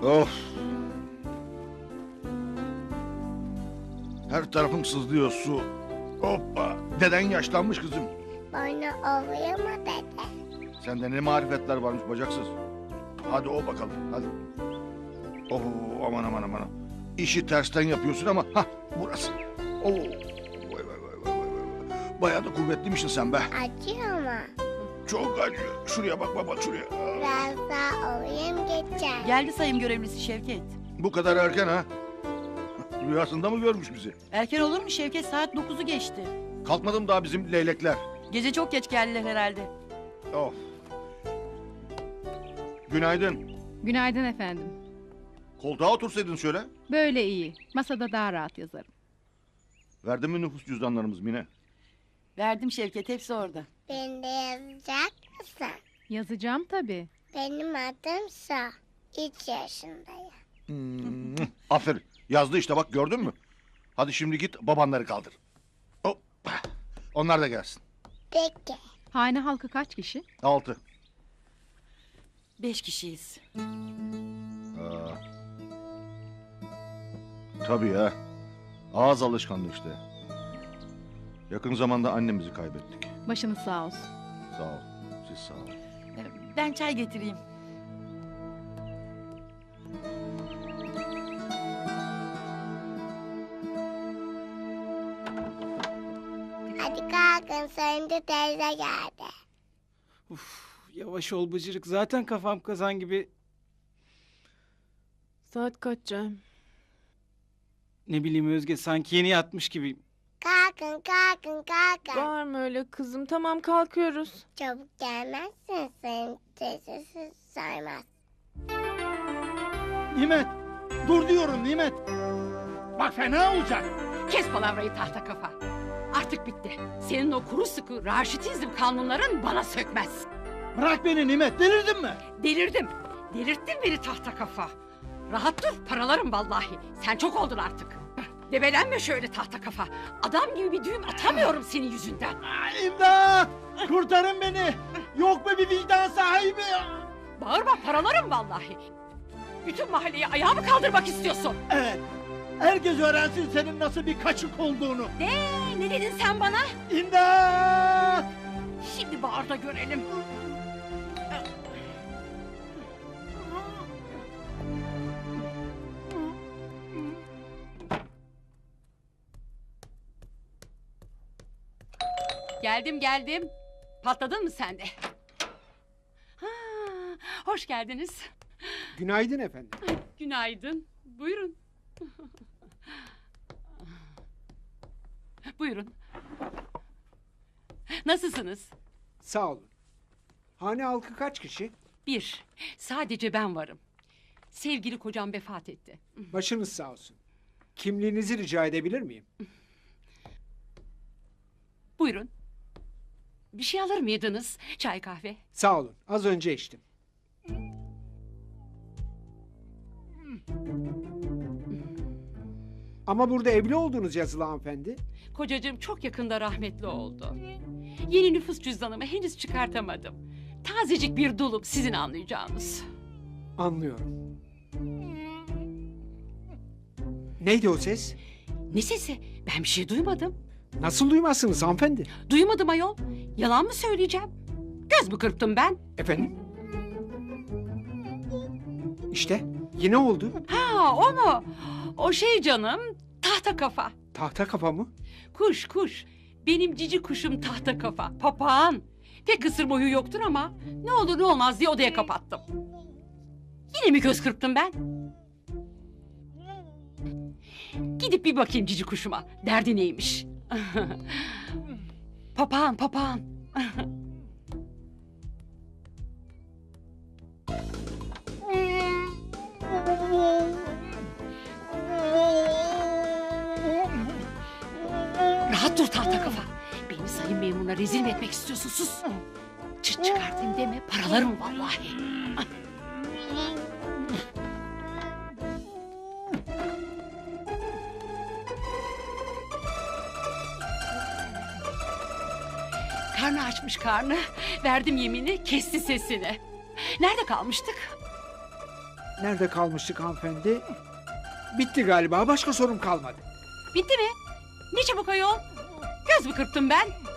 Of. Her tarafım sızlıyor su. Hoppa. Deden yaşlanmış kızım. Bana oluyor mu dede? Sende ne marifetler varmış bacaksız. Hadi o bakalım hadi. Oh aman aman aman. İşi tersten yapıyorsun ama ha burası. Oh. Vay vay vay vay vay. Bayağı da kuvvetliymişsin sen be. Acıyor mu? Çok acıyor. Şuraya bak baba şuraya. Biraz daha olayım geçer. Geldi sayım görevlisi Şevket. Bu kadar erken ha? Rüyasında mı görmüş bizi? Erken olur mu Şevket? Saat 9'u geçti. Kalkmadım daha bizim leylekler. Gece çok geç geldiler herhalde. Of. Günaydın. Günaydın efendim. Koltuğa otursaydın şöyle. Böyle iyi. Masada daha rahat yazarım. Verdin mi nüfus cüzdanlarımız Mine? Verdim Şevket, hepsi orada. Beni de yazacak mısın? Yazacağım tabii. Benim adım Su. 3 yaşındayım. Aferin. Yazdı işte bak gördün mü? Hadi şimdi git babanları kaldır. Hop. Onlar da gelsin. Peki. Hane halkı kaç kişi? 6. 5 kişiyiz. Tabii ya. Ağız alışkanlığı işte. Yakın zamanda annemizi kaybettik. Başınız sağ olsun. Sağ ol. Siz sağ olun. Ben çay getireyim. Hadi kalkın Söndü teyze geldi. Yavaş ol bıcırık. Zaten kafam kazan gibi. Saat kaç Cem? Ne bileyim Özge, sanki yeni yatmış gibiyim. Kalkın kalkın kalkın. Var mı öyle kızım? Tamam kalkıyoruz. Çabuk gelmezsin Söndü teyzesi saymaz. Nimet! Dur diyorum Nimet! Bak fena olacak! Kes palavrayı tahta kafa. Artık bitti. Senin o kuru sıkı raşitizm kanunların bana sökmez. Bırak beni Nimet, delirdin mi? Delirdim. Delirttin beni tahta kafa. Rahat dur, paralarım vallahi. Sen çok oldun artık. Debelenme şöyle tahta kafa. Adam gibi bir düğüm atamıyorum senin yüzünden. İmdat! Kurtarın beni! Yok mu bir vicdan sahibi? Bağırma, paralarım vallahi. Bütün mahalleyi ayağa mı kaldırmak istiyorsun? Evet, herkes öğrensin senin nasıl bir kaçık olduğunu. Ne dedin sen bana? İmdat! Şimdi bağır da görelim. Geldim. Patladın mı sen de? Ha, hoş geldiniz. Günaydın efendim. Günaydın. Buyurun. Buyurun. Nasılsınız? Sağ olun. Hane halkı kaç kişi? 1. Sadece ben varım. Sevgili kocam vefat etti. Başınız sağ olsun. Kimliğinizi rica edebilir miyim? Buyurun. Bir şey alır mıydınız? Çay kahve. Sağ olun. Az önce içtim. Ama burada evli olduğunuz yazılı hanımefendi. Kocacığım çok yakında rahmetli oldu. Yeni nüfus cüzdanımı henüz çıkartamadım. Tazecik bir dulum, sizin anlayacağınız. Anlıyorum. Neydi o ses? Ne sesi? Ben bir şey duymadım. Nasıl duymazsınız hanımefendi? Duymadım ayol. Yalan mı söyleyeceğim? Göz mü kırptım ben? Efendim? İşte yine oldu. Ha, o mu? O şey canım, tahta kafa. Tahta kafa mı? Kuş. Benim cici kuşum tahta kafa. Papağan. Pek ısırma huyu yoktur ama ne olur ne olmaz diye odaya kapattım. Yine mi göz kırptım ben? Gidip bir bakayım cici kuşuma. Derdi neymiş? Papağan. Rahat dur tahta kafa. Beni sayın memuruna rezil mi etmek istiyorsun? Sus. Çıt çıkartayım deme, paralarım vallahi. Karnı açmış karnı. Verdim yemini, kesti sesini. Nerede kalmıştık? Nerede kalmıştık hanımefendi? Bitti galiba. Başka sorum kalmadı. Bitti mi? Ne çabuk ayol. Göz mü kırptım ben?